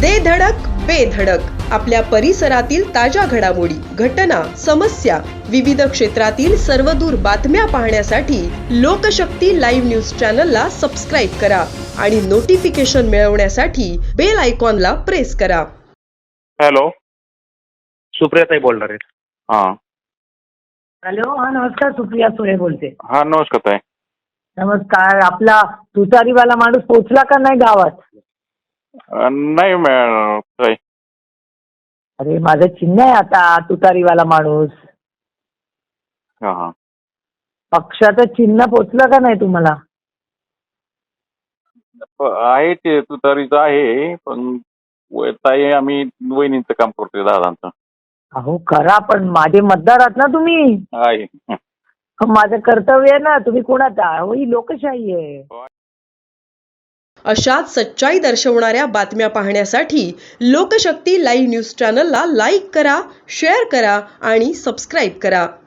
दे धडक बेधडक आपल्या परिसरातील ताज्या घडामोडी, घटना, समस्या, विविध क्षेत्रातील सर्वदूर बातम्या पाहण्यासाठी लोकशक्ती लाईव्ह न्यूज चॅनलला सबस्क्राईब करा आणि नोटिफिकेशन मिळवण्यासाठी बेल आयकॉनला प्रेस करा. हॅलो, सुप्रियाताई बोलणार आहेत. हा हॅलो, हा नमस्कार. सुप्रिया सुळे बोलते. हा नमस्कार ताई. नमस्कार. आपला तुतारीवाला माणूस पोचला का नाही गावात? नाही ताई. अरे माझं चिन्ह आहे आता तुतारीवाला माणूस. हा हा पक्षाचं चिन्ह पोचलं का नाही तुम्हाला? आहे ते तुतारीचं आहे, पण ताई आम्ही वहिनींचं काम करतोय, दादांचं. अहो करा, पण माझे मतदार आहात ना तुम्ही. आहे. माझं कर्तव्य आहे ना. तुम्ही कोणाचा? हो, ही लोकशाही आहे. अशाच सच्चाई दर्शवणाऱ्या बातम्या पाहण्यासाठी लोकशक्ती लाईव्ह न्यूज चॅनलला लाईक करा, शेअर करा आणि सबस्क्राईब करा.